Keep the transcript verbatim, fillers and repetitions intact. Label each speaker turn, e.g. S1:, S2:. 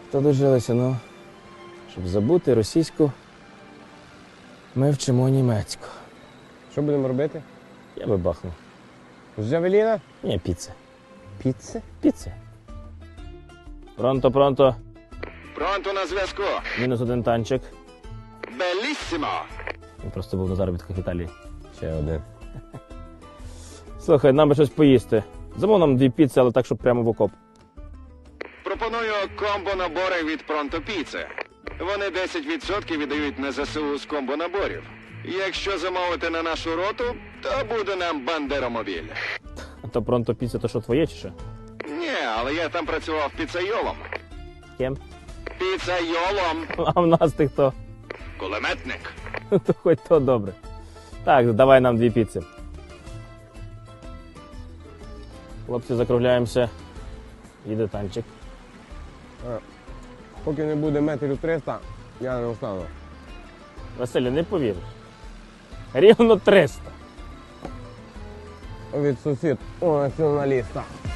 S1: То дожилися, ну, щоб забути російську, ми вчимо німецьку.
S2: Що будемо робити?
S1: Я би бахнув.
S2: З Джавеліна?
S1: Ні, піци.
S2: Піци?
S1: Піци. Пронто, пронто.
S3: Пронто на зв'язку.
S1: Мінус один танчик.
S3: Беліссимо.
S1: Він просто був на заробітках в Італії.
S2: Ще один.
S1: Слухай, нам би щось поїсти. Замов нам дві піци, але так, щоб прямо в окоп.
S3: Пропоную комбо-набори від Пронто Піци. Вони десять відсотків віддають на ЗСУ з комбо-наборів. Якщо замовити на нашу роту, то буде нам бандеромобіль.
S1: А то пронто піця, то що твоє чи що?
S3: Ні, але я там працював піцайолом.
S1: Ким?
S3: Піцайолом.
S1: А в нас ти хто?
S3: Кулеметник.
S1: То хоч то добре. Так, давай нам дві піци. Хлопці, закругляємося. Їде танчик.
S2: А, поки не буде метрів триста, я не встану.
S1: Василю, не повіриш. Рівно триста.
S2: Від сусід у націоналіста.